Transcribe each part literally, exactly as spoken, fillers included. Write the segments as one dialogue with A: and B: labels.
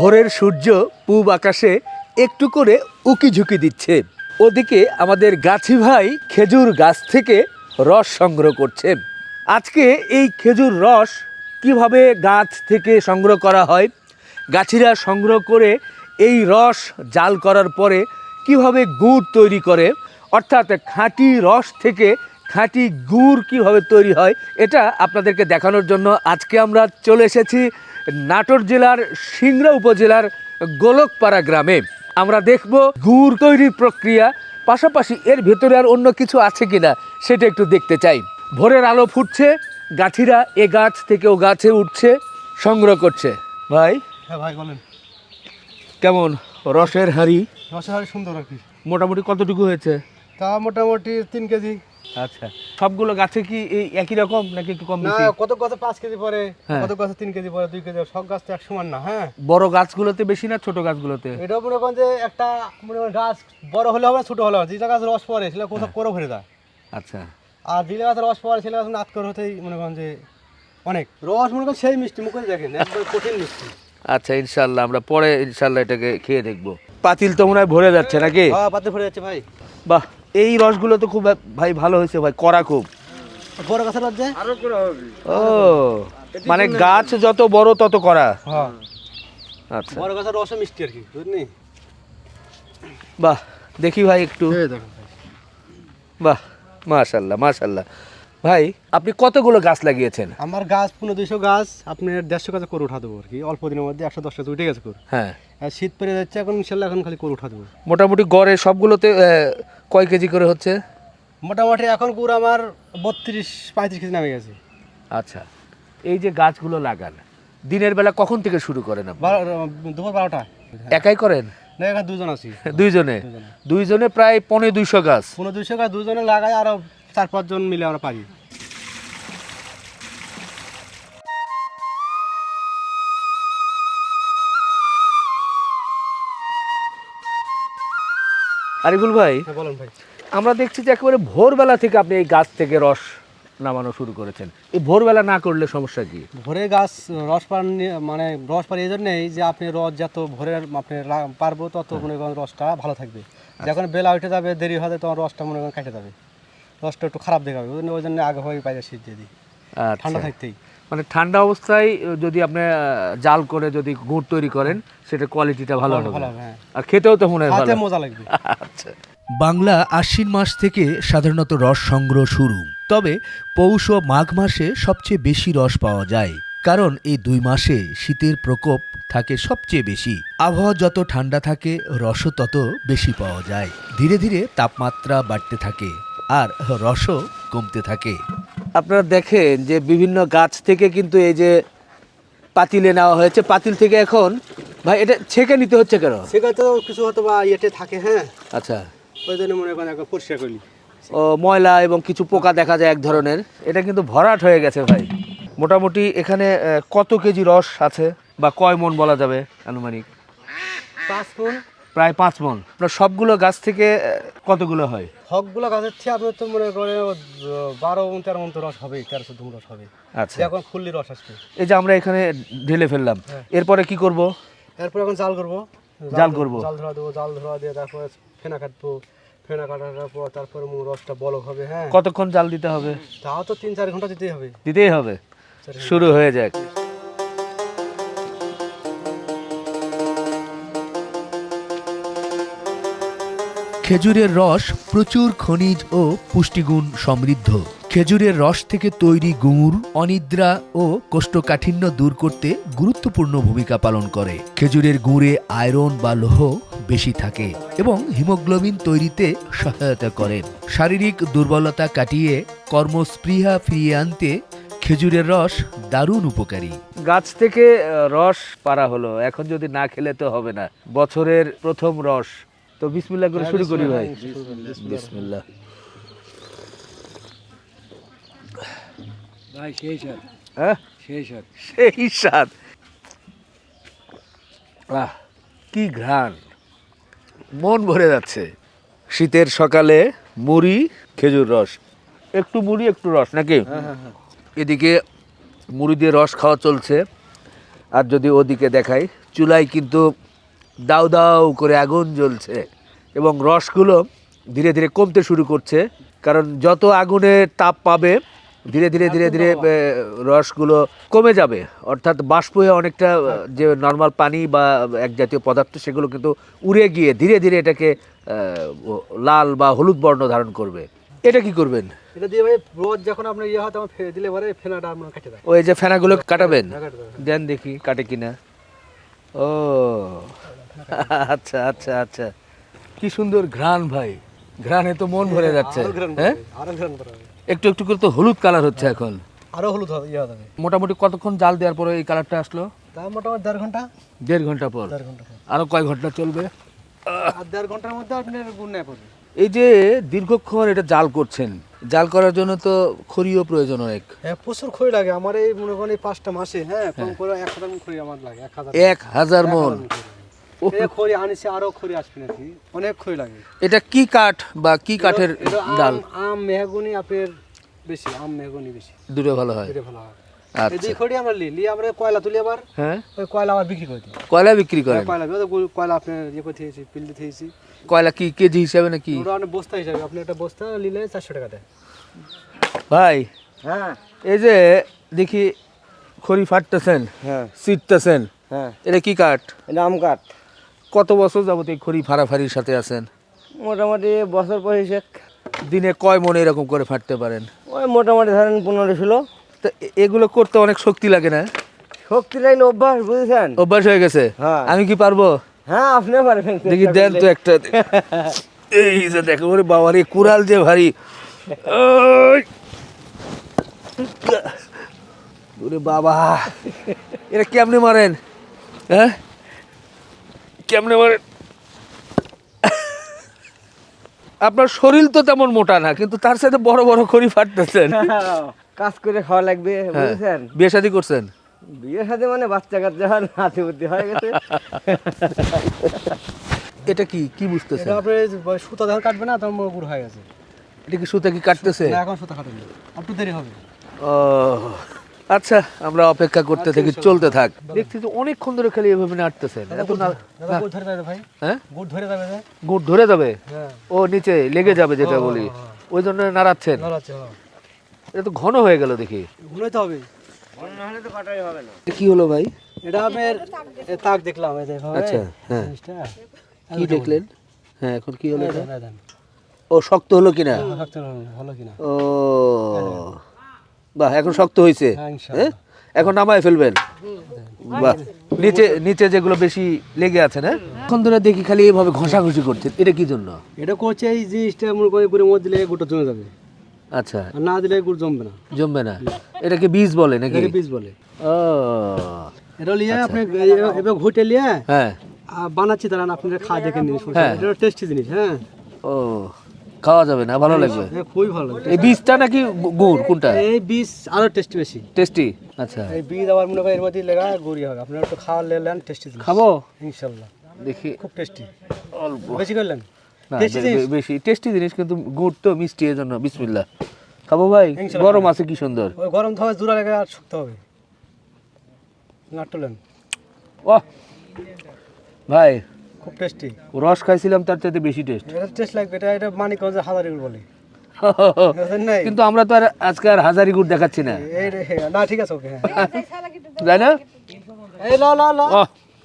A: ভোরের সূর্য পূব আকাশে একটু করে উকি ঝুঁকি দিচ্ছে। ওদিকে আমাদের গাছি ভাই খেজুর গাছ থেকে রস সংগ্রহ করছে। আজকে এই খেজুর রস কিভাবে গাছ থেকে সংগ্রহ করা হয়, গাছিরা সংগ্রহ করে এই রস জাল করার পরে কিভাবে গুড় তৈরি করে, অর্থাৎ খাঁটি রস থেকে খাঁটি গুড় কিভাবে তৈরি হয়, এটা আপনাদেরকে দেখানোর জন্য আজকে আমরা চলে এসেছি নাটোর জেলার সিংড়া উপজেলার গোলকপাড়া গ্রামে। আমরা দেখব গুড় তৈরির প্রক্রিয়া, পাশাপাশি এর ভেতরে আর অন্য কিছু আছে কিনা সেটা একটু দেখতে চাই। ভোরের আলো ফুটছে, গাছিরা এ গাছ থেকে ও গাছে উঠছে, সংগ্রহ করছে। ভাই
B: হ্যাঁ ভাই বলেন,
A: কেমন রসের হাঁড়ি?
B: রসের হাঁড়ি সুন্দর আর কি।
A: মোটামুটি কতটুকু হয়েছে?
B: তা মোটামুটি তিন কেজি।
A: আচ্ছা, সবগুলো গাছে কি এই একই রকম নাকি একটু কম
B: না,
A: বেশি?
B: কত গাছে পাঁচ কেজি পরে,
A: হ্যাঁ।
B: কত গাছে তিন কেজি পরে, দুই কেজি, সব গাছ তো এক সমান না। হ্যাঁ,
A: বড় গাছগুলোতে বেশি না ছোট গাছগুলোতে?
B: এটা মনে করেন যে একটা মনে করেন গাছ বড় হলে হবে ছোট হলে হবে, যেটা গাছ রস পরে সেটা কোথাও করে ভরে যায়।
A: আচ্ছা,
B: আর যেটা গাছ রস পরে সেটা গাছ নাত করে হতেই মনে করেন যে অনেক রস মনে করেন সেই মিষ্টি, মুখে দেখেন একবার কঠিন মিষ্টি।
A: আচ্ছা, ইনশাল্লাহ আমরা পরে ইনশাল্লাহ এটাকে খেয়ে দেখবো। পাতিল তো মনে হয় ভরে যাচ্ছে নাকি?
B: হ্যাঁ, পাতে ভরে যাচ্ছে ভাই।
A: বাহ, এই রসগুলো তো খুব ভাই ভালো হয়েছে ভাই, কড়া খুব।
B: বড় গাছের রস যে
A: ও, মানে গাছ যত বড় তত কড়া।
B: হ্যাঁ,
A: আচ্ছা,
B: বড় গাছের রসও মিষ্টি আর কি, বুঝলি?
A: বাহ, দেখি ভাই একটু।
B: এই দেখেন ভাই।
A: বাহ, মাশাল্লাহ মাশাল্লাহ। ভাই আপনি কতগুলো গাছ লাগিয়েছেন?
B: আমার গাছ পনেরো দুইশো গাছ, আপনার দেড়শো গাছে করে উঠা দেবো আর কি। অল্প দিনের মধ্যে একশো দশ গাছ উঠে গেছে করে।
A: হ্যাঁ,
B: আর শীত পড়ে যাচ্ছে এখন, ইনশাল্লাহ এখন খালি করে উঠা দেবো।
A: মোটামুটি গড়ে সবগুলোতে আহ, কয় কেজি করে হচ্ছে?
B: মোটামুটি এখন গুড় আমার বত্রিশ পঁয়ত্রিশ কেজি নামে গেছে।
A: আচ্ছা, এই যে গাছগুলো লাগান দিনের বেলা কখন থেকে শুরু করেন আপনি?
B: বারো, দুপুর বারোটা।
A: একাই করেন?
B: না, এখানে দুজন আছি।
A: দুইজনে?
B: দুজনে।
A: দুইজনে প্রায় পনেরো দুইশো গাছ।
B: পনেরো দুইশো গাছ দুজনে লাগাই, আরো চার পাঁচজন মিলে আমরা পারি।
A: আরিফুল ভাই,
B: হ্যাঁ বলেন ভাই।
A: আমরা দেখছি যে একেবারে ভোরবেলা থেকে আপনি এই গাছ থেকে রস নামানো শুরু করেছেন। এই ভোরবেলা না করলে সমস্যা কি?
B: ভোরে গাছ রস পান মানে রস পান এই জন্যই যে আপনি রস যত ভোরে আপনি লা- পারবো তত মনে করেন রসটা ভালো থাকবে। যখন বেলা উঠে যাবে, দেরি হবে, তখন রসটা মনে করেন কেটে যাবে, রসটা একটু খারাপ দেখাবে। ওই জন্য ওই জন্য আগে হয়ে পাই শীত দিয়ে দিই,
A: আচ্ছা,
B: ঠান্ডা থাকতেই।
A: মানে ঠান্ডা অবস্থায় যদি আপনি আহ, জাল করে যদি গুড় তৈরি করেন, সেটা কোয়ালিটিটা ভালো হবে।
B: ভালো হবে, হ্যাঁ।
A: আর খেতেও তো মনে হয়
B: হাতে
A: ভালো।
B: মজা লাগবে।
A: আচ্ছা,
C: বাংলা আশ্বিন মাস থেকে সাধারণত রস সংগ্রহ শুরু, তবে পৌষ ও মাঘ মাসে সবচেয়ে বেশি রস পাওয়া যায়, কারণ এই দুই মাসে শীতের প্রকোপ থাকে সবচেয়ে বেশি। আবহাওয়া যত ঠান্ডা থাকে রসও তত বেশি পাওয়া যায়। ধীরে ধীরে তাপমাত্রা বাড়তে থাকে আর রসও কমতে থাকে।
A: আপনারা দেখেন যে বিভিন্ন গাছ থেকে কিন্তু এই যে পাতিলে নেওয়া হয়েছে, পাতিল থেকে এখন ভাই এটা ছেঁকে নিতে হচ্ছে কেন?
B: সেখানে তো কিছু হয়তো বা ইয়েতে থাকে, হ্যাঁ,
A: আচ্ছা,
B: ওই জন্য মনে করেন একবার পরিষ্কার করি।
A: ও ময়লা এবং কিছু পোকা দেখা যায় এক ধরনের। এটা কিন্তু ভরাট হয়ে গেছে ভাই। মোটামুটি এখানে আহ, কত কেজি রস আছে বা কয় মন বলা যাবে আনুমানিক?
B: পাঁচ ফুল
A: প্রায় পাঁচ মন। আপনার সবগুলো গাছ থেকে আহ, কতগুলো হয়?
B: হকগুলো গাছের চেয়ে আপনার তো মনে করেন ও বারো মন তেরো মন তো রস হবে, তেরো চোদ্দ মন রস হবে।
A: আচ্ছা,
B: এখন ফুললি রস আসবে।
A: এই যে আমরা এখানে ঢেলে ফেললাম,
B: হ্যাঁ।
A: এরপরে কি করব?
B: এরপর এখন জাল করবো।
A: জাল করবো?
B: জাল ধরা দেবো, জাল ধরা দিয়ে তারপরে ফেনা কাটবো। ফেনা কাটার পর তারপরে মু রসটা বলক হবে। হ্যাঁ,
A: কতক্ষণ জাল দিতে হবে?
B: তাও তো তিন চার ঘন্টা দিতেই হবে।
A: দিতেই হবে। শুরু হয়ে যাক।
C: খেজুরের রস প্রচুর খনিজ ও পুষ্টিগুণ সমৃদ্ধ। খেজুরের রস থেকে তৈরি গুড় অনিদ্রা ও কোষ্ঠকাঠিন্য দূর করতে গুরুত্বপূর্ণ ভূমিকা পালন করে। খেজুরের গুড়ে আয়রন বা লৌহ বেশি থাকে এবং হিমোগ্লোবিন তৈরিতে সহায়তা করে। শারীরিক দুর্বলতা কাটিয়ে কর্মস্পৃহা ফিরিয়ে আনতে খেজুরের রস দারুণ উপকারী।
A: গাছ থেকে আহ, রস পাড়া হলো, এখন যদি না খেলে তো হবে না। বছরের প্রথম রস, তো বিসমিল্লাহ করে শুরু করি ভাই। বিসমিল্লাহ।
B: ভাই সেই স্বাদ,
A: হ্যাঁ,
B: সেই স্বাদ।
A: সেই স্বাদ। আহ, কি ঘ্রাণ, মন ভরে যাচ্ছে। শীতের সকালে মুড়ি খেজুর রস, একটু মুড়ি একটু রস নাকি? এদিকে মুড়ি দিয়ে রস খাওয়া চলছে, আর যদি ওদিকে দেখাই চুলায় কিন্তু দাউ দাউ করে আগুন জ্বলছে এবং রসগুলো ধীরে ধীরে কমতে শুরু করছে, কারণ যত আগুনের তাপ পাবে ধীরে ধীরে ধীরে ধীরে এ, রসগুলো কমে যাবে, অর্থাৎ বাষ্প হয়ে অনেকটা আহ, যে নর্মাল পানি বা এক জাতীয় পদার্থ সেগুলো কিন্তু উড়ে গিয়ে ধীরে ধীরে এটাকে আহ, লাল বা হলুদ বর্ণ ধারণ করবে। এটা কি করবেন?
B: এটা দিয়ে ভাই রোজ যখন আপনার ইয়ে হয় তখন ফেলে দিলে পরে ফেনাটা আপনার কেটে দেয়।
A: ওই যে ফেনাগুলো কাটাবেন,
B: হ্যাঁ, কাটে দেয়।
A: দেন দেখি কাটে কিনা। ও আচ্ছা আচ্ছা আচ্ছা, কি সুন্দর ঘ্রাণ ভাই, ঘ্রাণে তো মন ভরে যাচ্ছে।
B: আরো ঘ্রাণ
A: হ্যাঁ,
B: করবে, আরো ঘ্রাণ করা হবে।
A: একটু একটু করে তো হলুদ কালার হচ্ছে এখন।
B: আরো হলুদ হবে, ইয়ে হবে।
A: মোটামুটি কতক্ষণ জাল দেওয়ার পরে এই কালারটা আসলো?
B: তা মোটামুটি দেড় ঘন্টা
A: দেড় ঘন্টা পর।
B: দেড় ঘন্টা পর।
A: আরো কয় ঘন্টা চলবে?
B: আর দেড় ঘন্টার মধ্যে আপনার গুণ নেয় পড়বে।
A: এই যে দীর্ঘক্ষণ এটা জাল করছেন, জাল করার জন্য তো খড়িও প্রয়োজন অনেক।
B: হ্যাঁ প্রচুর খড়ি লাগে আমার এই মনে করেন এই পাঁচটা মাসে, হ্যাঁ কম করে এক হাজার মণ খড়ি আমার লাগে। এক হাজার
A: এক হাজার মন।
B: এই খড়ি আনিছে, আরো খড়ি আসবে নাকি, অনেক খড়ি লাগে।
A: এটা কি কাঠ বা কি কাঠের
B: এটা আম-
A: ডাল?
B: আম মেহগনি আপনার বেশি, আম মেহগনি বেশি,
A: দুটো ভালো হয়।
B: এটা ভালো হয়। এই
A: আচ্ছা,
B: দুই খড়ি আমরা লি লি আমরা কয়লা তুলি, আবার
A: হ্যাঁ,
B: ওই কয়লা আবার বিক্রি করে দিই।
A: কয়লা বিক্রি করেন?
B: কয়লা ওই তো গু- কয়লা আপনার ইয়ে করতে হয়েছি, পিল দিতে হয়েছি।
A: কয়লা কি কেজি হিসাবে নাকি?
B: ওটা অনেক বস্তা হিসাবে, আপনি একটা বস্তা নিলে চারশো টাকা দেয়।
A: ভাই
B: হ্যাঁ
A: এই যে দেখি খড়ি ফাটতেছেন,
B: হ্যাঁ
A: ছিটতেছেন,
B: হ্যাঁ,
A: এটা কি কাঠ?
B: এটা আম কাঠ।
A: কত বছর যাবত এই খড়ি ফাড়াফাড়ির সাথে আছেন?
B: মোটামুটি বছর পর হিসেব
A: দিনে কয় মনে এরকম করে ফাটতে পারেন?
B: ওই মোটামুটি ধরেন পনেরো ষোলো।
A: তো এ- এগুলো করতে অনেক শক্তি লাগে না?
B: শক্তি লাইন অভ্যাস, বুঝেছেন?
A: অভ্যাস হয়ে গেছে।
B: হ্যাঁ।
A: আমি কি পারবো?
B: হ্যাঁ আপনি পারবেন।
A: দেখি দেন তো একটা। এই যে দেখো, ওরে বাবা রে, কুড়াল যে ভারী। ওই! ওরে বাবা, এটা কেমনে মারেন? হ্যাঁ, কেমনে মারেন? আপনার শরীর তো তেমন মোটা না, কিন্তু তার সাথে বড় বড় খড়ি ফাটতেছেন।
B: কাজ করে খাওয়া লাগবে,
A: হ্যাঁ।
B: বুঝেছেন?
A: বিয়ে শাদী করছেন?
B: বিয়ের সাথে মানে বাচ্চা কাচ্চা হয়, নাতি বুদ্ধি হয়ে গেছে।
A: এটা কি কি বুঝতেছেন?
B: এটা আপনি সুতা যখন কাটবে না তখন মনে গুড় হয়ে গেছে।
A: এটা কি সুতা কি কাটতেছে?
B: না, এখন সুতা কাটেনি, একটু দেরি হবে।
A: ও আচ্ছা, আমরা অপেক্ষা করতে থাকি, চলতে থাক। দেখছি যে অনেকক্ষণ ধরে খালি এভাবে নাড়তেছেন। এত না,
B: দাদা গুড় ধরে যাবে ভাই,
A: হ্যাঁ,
B: গুড় ধরে যাবে যে।
A: গুড় ধরে যাবে।
B: হ্যাঁ
A: ও নিচে লেগে যাবে যেটা বলি, ওই জন্য নাড়াচ্ছেন।
B: নড়াচ্ছে, হ্যাঁ
A: এটা তো ঘন হয়ে গেল দেখি।
B: গুলোই তো হবে, না হলে তো কাটাই হবে না।
A: এটা কি হলো ভাই?
B: এটা আপনার এ তাক দেখলাম, এই দেখো
A: আচ্ছা, হ্যাঁ,
B: জিনিসটা
A: কি দেখলেন? হ্যাঁ, এখন কি হলো এটা?
B: এই দেন,
A: ও শক্ত হলো কিনা?
B: শক্ত ভালো কিনা।
A: ও বাহ, এখন শক্ত হয়েছে।
B: হ্যাঁ ইনশাআল্লাহ।
A: হ্যাঁ, এখন নামায় ফেলবেন। বাহ, নিচে নিচে যেগুলো বেশি লেগে আছে না, এখন ধরে দেখি খালি এইভাবে ঘষাঘষি করছে, এটা কি জন্য?
B: এটা করছে এই জিনিসটা মনে করে গুড়ের মধ্যে দিলে গুড়টা জমে যাবে,
A: আচ্ছা,
B: আর না দিলে গুড় জমবে না।
A: জমবে না। এটাকে বীজ বলে নাকি?
B: এটাকে বীজ বলে।
A: ও
B: এটা লিয়ে আপনি এবার ঘুটে লিয়ে
A: হ্যাঁ,
B: আর বানাচ্ছি, তারা আপনারা খা দেখে নিন।
A: হ্যাঁ।
B: এটা টেস্টি জিনিস। হ্যাঁ
A: ও খাওয়া যাবে না, ভালো লাগবে।
B: এ খুবই ভালো লাগে।
A: এই বীজটা নাকি গু- গুড় কোনটা?
B: এই বীজ আরো টেস্টি বেশি।
A: টেস্টি। আচ্ছা,
B: এই বীজ আবার মনে করেন এর মধ্যে লেগা গুড়ি হবে, আপনারা একটু খাওয়া লেন, টেস্টি জিনিস
A: খাবো
B: ইনশাআল্লাহ,
A: দেখি।
B: খুব টেস্টি।
A: অল্প
B: বেশি করলেন
A: না,
B: টেস্টি
A: বে-
B: জিনিস।
A: বে- বেশি টেস্টি জিনিস, কিন্তু গুড় তো মিষ্টি, এর জন্য বিসমিল্লাহ। খাবো ভাই,
B: ইনশাআল্লাহ।
A: গরম আছে কি সুন্দর।
B: ওই গরম ধোয়া জোড়া লেগে আর শক্ত হবে, নাটলেন
A: ও ভাই,
B: খুব টেস্টি।
A: রস খাইছিলাম তার চাইতে বেশি টেস্ট।
B: এটা টেস্ট লাগবে, এটা এটা মানিকগঞ্জের হাজারি গুড় বলে, বুঝলেন নাই?
A: কিন্তু আমরা তো আর আজকে আর হাজারি গুড় দেখাচ্ছি না,
B: এই রে, হ্যাঁ, না ঠিক আছে, ওকে, হ্যাঁ।
A: তাই না?
B: এই ল ল ল,
A: ও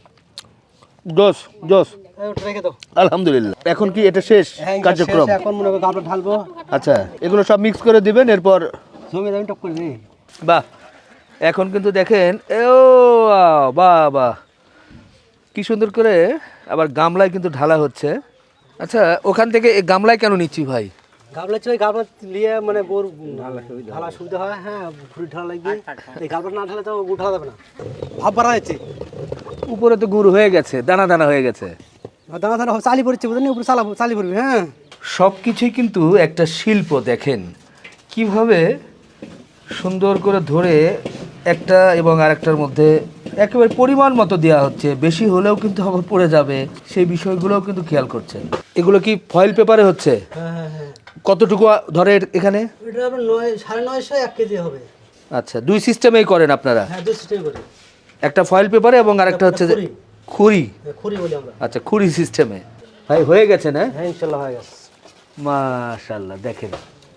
A: জোস জোস,
B: এই ওটা রেখে দাও।
A: আলহামদুলিল্লাহ। এখন কি এটা শেষ
B: হ্যাঁ
A: কার্যক্রম?
B: শেষ, এখন মনে করো গাবটা ঢালবো,
A: আচ্ছা, এগুলো সব মিক্স করে দিবেন, এরপর
B: জমি দামি টপ করে দিই।
A: বাহ, এখন কিন্তু দেখেন, এ ও বাহ বাহ, কি সুন্দর করে আবার গামলায় কিন্তু ঢালা হচ্ছে। আচ্ছা, ওখান থেকে এই গামলায় কেন নিচ্ছি ভাই?
B: গাবলা চই গাবলা লিয়ে মানে গোর ঢালা সুবিধা হয়। হ্যাঁ ঘুরি ঢালা লাগবে, এই গাবলা না ঢালে তো গুড় ঢালা যাবে না, ভাব বাড়া যাচ্ছে।
A: উপরে তো গুড় হয়ে গেছে, দানা দানা হয়ে গেছে।
B: দানা দানা চালি পড়ছে, বুঝলেন, উপরে চালা চালি পড়বে। হ্যাঁ
A: সব কিছুই কিন্তু একটা শিল্প। দেখেন কিভাবে সুন্দর করে ধরে একটা এবং আরেকটার মধ্যে একেবারে পরিমাণ মতো দেওয়া হচ্ছে, বেশি হলেও কিন্তু আবার পড়ে যাবে, সেই বিষয়গুলোও কিন্তু খেয়াল করছেন। এগুলো কি ফয়েল পেপারে হচ্ছে?
B: হ্যাঁ হ্যাঁ হ্যাঁ,
A: কতটুকু ধরে এখানে?
B: এটা আপনার নয় সাড়ে নয়শো এক কেজি হবে।
A: আচ্ছা, দুই সিস্টেমেই করেন আপনারা?
B: হ্যাঁ দুই সিস্টেম করে,
A: একটা ফয়েল পেপারে এবং আরেকটা হচ্ছে যে
B: খড়ি।
A: খুরি,
B: খুরি বলি আমরা।
A: আচ্ছা খুরি সিস্টেমে। ভাই হয়ে গেছে না?
B: হ্যাঁ ইনশাল্লাহ হয়ে গেছে।
A: মাশাআল্লাহ, দেখেন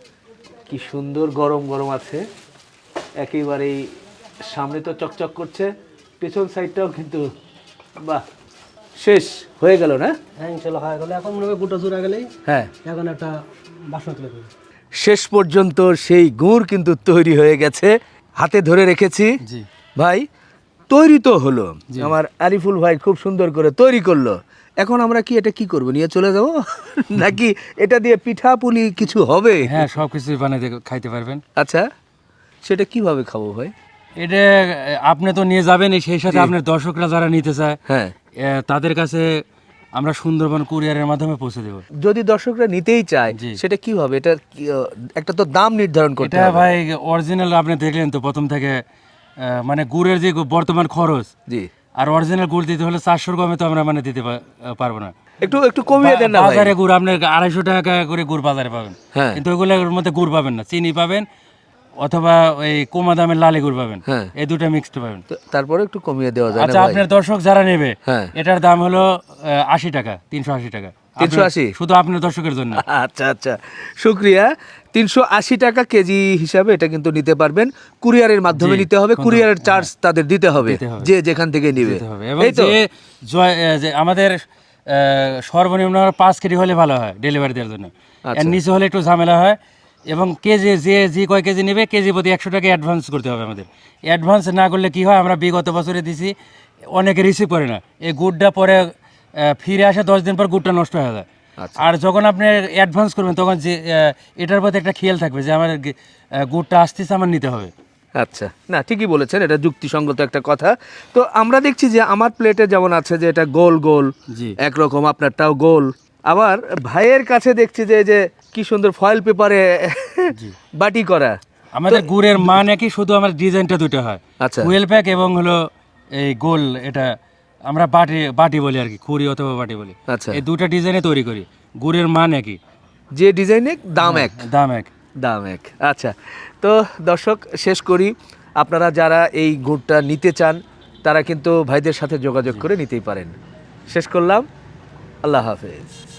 A: কি সুন্দর গরম গরম আছে, একেবারেই সামনে তো চকচক করছে, পেছন সাইডটাও কিন্তু বাহ, শেষ হয়ে গেল না?
B: হ্যাঁ ইনশাল্লাহ হয়ে গেলে এখন মনে হয় গোটা জোড়া গেলেই
A: হ্যাঁ,
B: এখন একটা বাসন তুলে দেবে।
A: শেষ পর্যন্ত সেই গুড় কিন্তু তৈরি হয়ে গেছে, হাতে ধরে রেখেছি।
B: জি
A: ভাই তৈরি তো হলো, আমার আরিফুল ভাই খুব সুন্দর করে তৈরি করলো। এখন আমরা কি এটা কি করব, নিয়ে চলে যাব নাকি এটা দিয়ে পিঠা পুলি কিছু হবে?
D: হ্যাঁ সব কিছুই বানাইতে খাইতে পারবেন।
A: আচ্ছা, সেটা কিভাবে খাবো ভাই?
D: এটা আপনি তো নিয়ে যাবেন, সেই সাথে আপনার দর্শকরা যারা নিতে চায়
A: হ্যাঁ,
D: এ, তাদের কাছে আমরা সুন্দরবন কুরিয়ারের মাধ্যমে পৌঁছে দেব।
A: যদি দর্শকরা নিতেই চায়
D: জি।
A: সেটা কিভাবে, এটা কি, আহ, একটা তো দাম নির্ধারণ করতে
D: এটা
A: হবে।
D: ভাই অরিজিনাল আপনি দেখলেন তো প্রথম থেকে, আহ, মানে গুড়ের যে বর্তমান খরচ,
A: জি,
D: আর অরিজিনাল গুড় দিতে হলে চারশোর কমে তো আমরা মানে দিতে পা- পারবো না।
A: একটু একটু কমিয়ে দেন না ভাই।
D: বাজারে গুড় আপনার আড়াইশো টাকা করে গুড় বাজারে পাবেন,
A: হ্যাঁ।
D: কিন্তু ওইগুলোর মধ্যে গুড় পাবেন না, চিনি পাবেন অথবা ওই কমা দামের লালি গুড় পাবেন,
A: হ্যাঁ।
D: এই দুটো মিক্সড পাবেন।
A: তো তারপরে একটু কমিয়ে দেওয়া যায় না
D: আচ্ছা
A: ভাই?
D: আপনার দর্শক যারা নেবে,
A: হ্যাঁ।
D: এটার দাম হলো আহ, আশি টাকা, তিনশো আশি টাকা।
A: তিনশো
D: আপনার-
A: আশি?
D: শুধু আপনার দর্শকের জন্য।
A: আচ্ছা আচ্ছা, শুক্রিয়া। তিনশো আশি টাকা কেজি হিসাবে এটা কিন্তু নিতে পারবেন, কুরিয়ারের মাধ্যমে
D: জি,
A: নিতে হবে,
D: কিন্তু-
A: কুরিয়ারের চার্জ তাদের দিতে হবে,
D: দিতে হবে।
A: যে যেখান থেকে নিবে।
D: দিতে হবে। এবং
A: এই তো
D: যে জয়- আহ, যে আমাদের আহ, সর্বনিম্ন পাঁচ কেজি হলে ভালো হয় ডেলিভারি দেওয়ার জন্য,
A: আচ্ছা।
D: এর নিচে হলে একটু ঝামেলা হয়। এবং কেজি যে যে কয় কেজি নেবে কেজি প্রতি একশো টাকা অ্যাডভান্স করতে হবে আমাদের। অ্যাডভান্স না করলে কি হয়, আমরা বিগত বছরে দিছি, অনেকে রিসিভ করে না, এই গুড়টা পরে আহ, ফিরে আসে দশ দিন পর গুড়টা নষ্ট হয়ে যায়।
A: আচ্ছা।
D: আর যখন আপনি অ্যাডভান্স করবেন তখন যে আহ, এটার প্রতি একটা খেয়াল থাকবে যে আমার গে- আহ, গুড়টা আসতেছে, আমার নিতে হবে।
A: আচ্ছা, না ঠিকই বলেছেন, এটা যুক্তিসঙ্গত একটা কথা। তো আমরা দেখছি যে আমার প্লেটে যেমন আছে যে এটা গোল গোল
D: জি।
A: একরকম, আপনারটাও গোল, আবার ভাইয়ের কাছে দেখছি যে এই যে কি সুন্দর ফয়েল পেপারে বাটি করা।
D: আমাদের গুড়ের মান একই, শুধু আমার ডিজাইনটা দুটো হয়,
A: আচ্ছা।
D: হুইল প্যাক এবং হলো এই গোল, এটা আমরা বাটি বাটি বলি আর কি, খুরি অথবা বাটি বলি।
A: আচ্ছা।
D: এই দুটো ডিজাইনে তৈরি করি, গুড়ের মান একই,
A: যে ডিজাইন এক দাম এক,
D: দাম এক।
A: দাম এক। আচ্ছা, তো দর্শক শেষ করি, আপনারা যারা এই গুড়টা নিতে চান তারা কিন্তু ভাইদের সাথে যোগাযোগ করে নিতেই পারেন। শেষ করলাম, আল্লাহ হাফেজ।